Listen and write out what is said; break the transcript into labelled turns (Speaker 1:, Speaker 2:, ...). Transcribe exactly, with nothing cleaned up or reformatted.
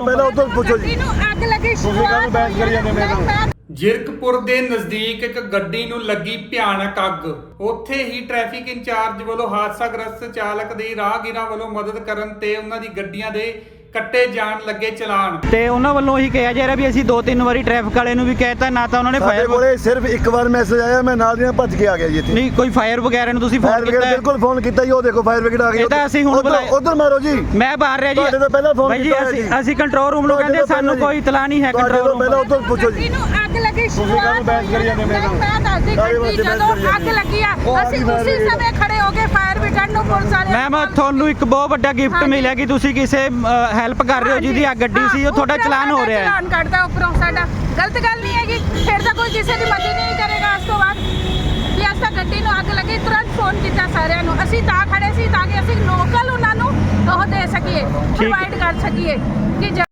Speaker 1: ਪਹਿਲਾਂ ਉਧਰ ਪੁੱਛੋ ਜੀ।
Speaker 2: ਇਹਨੂੰ ਅੱਗ ਲੱਗੀ
Speaker 1: ਤੁਸੀਂ ਕਾਹਨੂੰ ਬਹਿਸ ਕਰੀ ਜਾਂਦੇ ਮੇਰੇ ਨਾਲ?
Speaker 3: ਜਿਰਕਪੁਰ ਦੇ ਨਜ਼ਦੀਕ ਇੱਕ ਗੱਡੀ ਨੂੰ ਲੱਗੀ ਭਿਆਨਕ ਅੱਗ। ਉੱਥੇ ਹੀ ਟ੍ਰੈਫਿਕ ਇੰਚਾਰਜ ਵੱਲੋਂ ਹਾਦਸਾਗ੍ਰਸਤ ਚਾਲਕ ਦੀ ਰਾਹਗੀਰਾਂ ਵੱਲੋਂ ਮਦਦ ਕਰਨ ਤੇ ਉਹਨਾਂ ਦੀ ਗੱਡੀਆਂ ਦੇ ਕੱਟੇ ਜਾਣ ਲੱਗੇ ਚਲਾਨ।
Speaker 4: ਤੇ ਉਹਨਾਂ ਵੱਲੋਂ ਇਹੀ ਕਿਹਾ ਜਾ ਰਿਹਾ ਵੀ ਅਸੀਂ ਦੋ ਤਿੰਨ ਵਾਰੀ ਟ੍ਰੈਫਿਕ ਵਾਲੇ ਨੂੰ ਵੀ ਕਹਿਤਾ, ਨਾ ਤਾਂ ਉਹਨਾਂ ਨੇ
Speaker 1: ਸਾਡੇ
Speaker 4: ਫਾਇਰ
Speaker 1: ਕੋਲੇ ਸਿਰਫ ਇੱਕ ਵਾਰ ਮੈਸੇਜ ਆਇਆ, ਮੈਂ ਨਾਲ ਦੀ ਨਾਲ ਭੱਜ ਕੇ ਆ ਗਿਆ ਜੀ ਇੱਥੇ।
Speaker 4: ਨਹੀਂ ਕੋਈ ਫਾਇਰ ਵਗੈਰਾ ਨੂੰ ਤੁਸੀਂ
Speaker 1: ਫਾਇਰ
Speaker 4: ਫੋਨ
Speaker 1: ਬ੍ਰਿਗੇਡ
Speaker 4: ਕੀਤਾ?
Speaker 1: ਬਿਲਕੁਲ ਫੋਨ ਕੀਤਾ ਜੀ, ਉਹ ਦੇਖੋ ਫਾਇਰ ਬ੍ਰਿਗੇਡ ਆ ਗਈ।
Speaker 4: ਇਹ ਤਾਂ ਅਸੀਂ ਹੁਣ ਬੁਲਾਇਆ।
Speaker 1: ਉਧਰ ਮਾਰੋ ਜੀ,
Speaker 4: ਮੈਂ ਬਾਹਰ ਰਿਹਾ ਜੀ।
Speaker 1: ਤੁਹਾਡੇ ਤੋਂ ਪਹਿਲਾਂ ਫੋਨ
Speaker 4: ਬਾਈ ਜੀ
Speaker 1: ਕੀਤਾ ਹੋਇਆ
Speaker 4: ਅਸੀਂ
Speaker 1: ਜੀ।
Speaker 4: ਅਸੀਂ ਕੰਟਰੋਲ ਰੂਮ ਨੂੰ ਕਹਿੰਦੇ ਸਾਨੂੰ ਕੋਈ ਇਤਲਾਹ ਨਹੀਂ ਹੈ
Speaker 1: ਤੁਹਾਡੇ
Speaker 4: ਕੰਟਰੋਲ
Speaker 1: ਤੋਂ
Speaker 4: ਰੂਮ।
Speaker 1: ਪਹਿਲਾਂ ਉਧਰ ਪੁੱਛੋ ਜੀ।
Speaker 2: ਇਹਨੂੰ ਅੱਗ ਲੱਗੀ
Speaker 1: ਤੁਸੀਂ ਕਾਹਨੂੰ ਬਹਿਸ ਕਰੀ ਜਾਂਦੇ ਮੇਰੇ ਨਾਲ?
Speaker 2: ਮੈਂ ਦੱਸਦੀ ਗੱਡੀ ਜਦੋਂ ਅੱਗ ਲੱਗੀ ਆ ਅਸੀਂ ਉਸੇ ਸਮੇਂ ਖੜੇ ਹੋ ਕੇ ਫਾਇਰ ਬ੍ਰਿਗੇਡ ਨੂੰ ਪੁਲਿਸ ਵਾਲੇ।
Speaker 4: ਮੈਮ ਤੁਹਾਨੂੰ ਇੱਕ ਬਹੁਤ ਵੱਡਾ ਗਿਫਟ ਮਿਲਿਆ ਕਿ ਤੁਸੀਂ ਕਿਸੇ ਹੈਲਪ ਕਰ ਰਹੇ ਹੋ ਜਿਹਦੀ ਅੱਗ ਗੱਡੀ ਸੀ, ਉਹ ਤੁਹਾਡਾ ਚਲਾਨ ਹੋ ਰਿਹਾ ਹੈ।
Speaker 2: ਚਲਾਨ ਕੱਢਦਾ ਉੱਪਰੋਂ ਸਾਡਾ, ਗਲਤ ਗੱਲ ਨਹੀਂ ਹੈਗੀ। ਫਿਰ ਤਾਂ ਕੋਈ ਕਿਸੇ ਦੀ ਮਦਦ ਨਹੀਂ ਕਰੇਗਾ ਉਸ ਤੋਂ ਬਾਅਦ। ਵੀ ਅਸਾਂ ਤਾਂ ਗੱਡੀ ਨੂੰ ਅੱਗ ਲੱਗੀ, ਤੁਰੰਤ ਫੋਨ ਕੀਤਾ ਸਾਰਿਆਂ ਨੂੰ। ਅਸੀਂ ਤਾਂ ਖੜੇ ਸੀ ਤਾਂ ਕਿ ਅਸੀਂ ਲੋਕਲ ਉਹਨਾਂ ਨੂੰ ਉਹ ਦੇ ਸਕੀਏ, ਪ੍ਰੋਵਾਈਡ ਕਰ ਸਕੀਏ ਕਿ